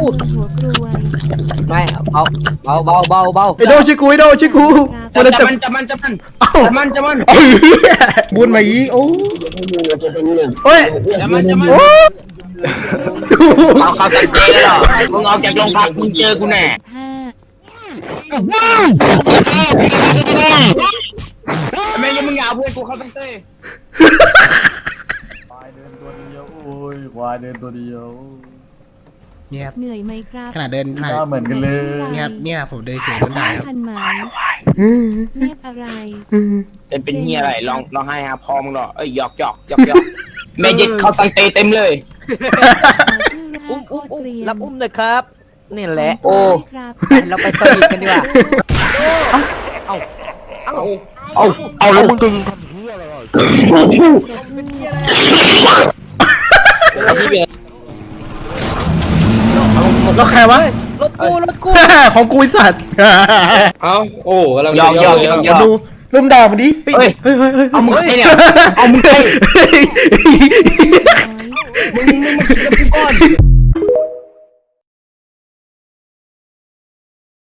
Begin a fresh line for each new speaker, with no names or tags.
หัวกรวย
ไม่เบา
ไอโดชิกูมันจะ
มัน
บุญมาอีโอ้โอ้ย
มัน
โอ้
เอาเข้าสังเกตแล้วมึงออกจากโรงพักมึงเจอกูแน่
5
แม่ยังมึงอย่าเอาเพื่อนกูเข้าสังเกต
ควายเดินตัวเดียวโอ้ยควายเดินตัวเดียว
เนี่ยครับ
เหนื่อยไหมครับ
ขนาดเดินผ่าน
หน้าเหมือนกันเลย
เนี่ยครับเนี่ยผมเดินเสียงต้นได้ครับ
ทันไหมเรียกอะไร
เป็นเฮียอะไรลองให้ฮะพอมึงหรอเอ้ยหยอกแม่ยึดเข้าสังเกตเต็มเลย
อุ้มรับอุ้มเลยครับนี่แหละ
โอ้
ครับ
เราไปสนิทกันดีกว่าเอา
เอาแล้วมึงดึง
แล้วใครวะ
รถกู
ของกูไอ้สัตว์
เอาโอ้กำลัง
หยอก
ดูลุมด่ามันดิเฮ้ย
เอามึงใครเนี่ยเอามึงใคร
น้อย
มึงมาคิดกับกูก่อน